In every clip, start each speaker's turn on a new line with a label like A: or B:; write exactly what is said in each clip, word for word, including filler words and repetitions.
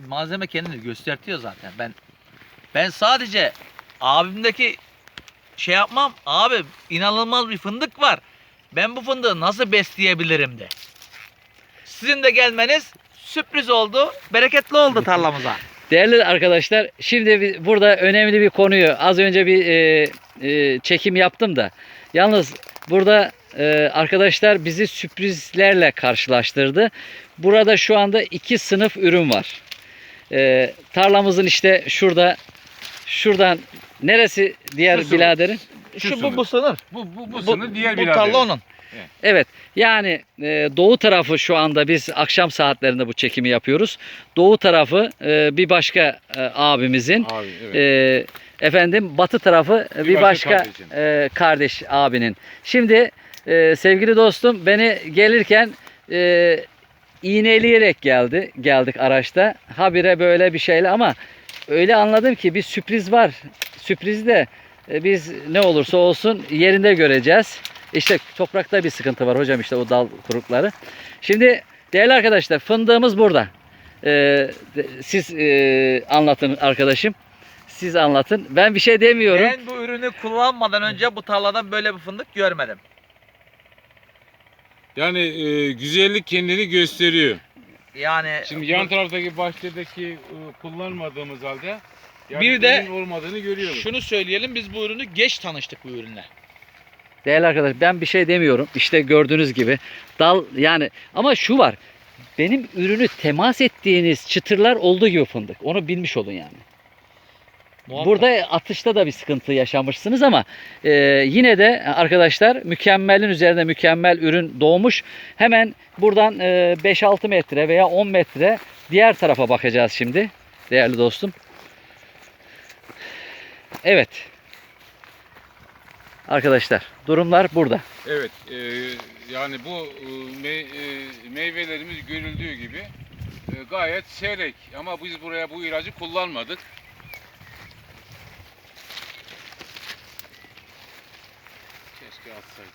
A: malzeme kendini göstertiyor zaten. Ben ben sadece abimdeki şey yapmam. Abi inanılmaz bir fındık var. Ben bu fındığı nasıl besleyebilirim de. Sizin de gelmeniz sürpriz oldu. Bereketli oldu tarlamıza.
B: Değerli arkadaşlar, şimdi bir- burada önemli bir konuyu az önce bir e, e, çekim yaptım da. Yalnız burada e, arkadaşlar bizi sürprizlerle karşılaştırdı. Burada şu anda iki sınıf ürün var. E, tarlamızın işte şurada, şuradan neresi diğer
C: Şu sınıf.
B: biraderin?
A: Şu,
C: Şu
A: bu bu sınır.
C: Bu, bu, bu,
A: Bu,
C: sınır diğer
A: bu
C: birader.
A: tarla onun.
B: Evet, yani e, doğu tarafı şu anda biz akşam saatlerinde bu çekimi yapıyoruz. Doğu tarafı e, bir başka e, abimizin,
C: Abi, evet.
B: e, efendim batı tarafı e, bir,
C: Bir
B: başka,
C: başka kardeşin.
B: e, kardeş abinin. Şimdi e, sevgili dostum beni gelirken e, iğneleyerek geldi, geldik araçta. Habire böyle bir şeyle ama öyle anladım ki bir sürpriz var. Sürpriz de e, biz ne olursa olsun yerinde göreceğiz. İşte toprakta bir sıkıntı var hocam, işte o dal kurukları. Şimdi değerli arkadaşlar, fındığımız burada. Ee, de- siz e, anlatın arkadaşım. Siz anlatın. Ben bir şey demiyorum.
A: Ben bu ürünü kullanmadan önce bu tarladan böyle bir fındık görmedim.
C: Yani e, güzellik kendini gösteriyor.
A: Yani
C: Şimdi yan taraftaki bahçedeki e, kullanmadığımız halde yani
A: Bir de
C: ürün olmadığını görüyoruz.
A: şunu söyleyelim, biz bu ürünü geç tanıştık bu ürünle.
B: Değerli arkadaşlar, ben bir şey demiyorum. İşte gördüğünüz gibi dal yani, ama şu var. Benim ürünü temas ettiğiniz çıtırlar olduğu gibi fındık. Onu bilmiş olun yani.
A: Muhakkak.
B: Burada atışta da bir sıkıntı yaşamışsınız ama e, yine de arkadaşlar mükemmelin üzerinde mükemmel ürün doğmuş. Hemen buradan e, beş altı metre veya on metre diğer tarafa bakacağız şimdi değerli dostum. Evet. Arkadaşlar durumlar burada.
C: Evet, e, yani bu e, me- e, meyvelerimiz görüldüğü gibi e, gayet seyrek ama biz buraya bu ilacı kullanmadık. Keşke atsaydık.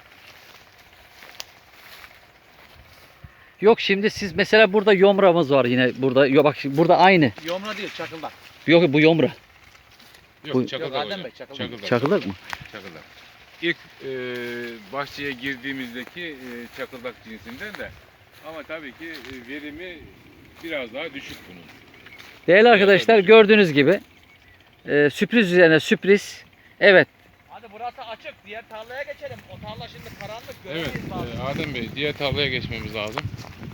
B: Yok, şimdi siz mesela burada yomramız var yine burada. Yok bak, burada aynı.
A: Yomra değil, çakıldak.
B: Yok, bu yomra.
C: Yok,
B: Bu-
C: çakıldak
A: Yok, Adem
C: hocam.
A: Bey, çakıldak.
C: Çakıldak.
B: Çakıldak mı?
C: Çakıldak. İlk e, bahçeye girdiğimizdeki e, çakıldak cinsinden de ama tabii ki e, verimi biraz daha düşük bunun.
B: Değerli arkadaşlar, gördüğünüz gibi e, sürpriz üzerine sürpriz. Evet.
A: Hadi burası açık, diğer tarlaya geçelim. O tarla şimdi karanlık,
C: Evet,
A: göremeyiz bazı.
C: e, Adem Bey diğer tarlaya geçmemiz lazım.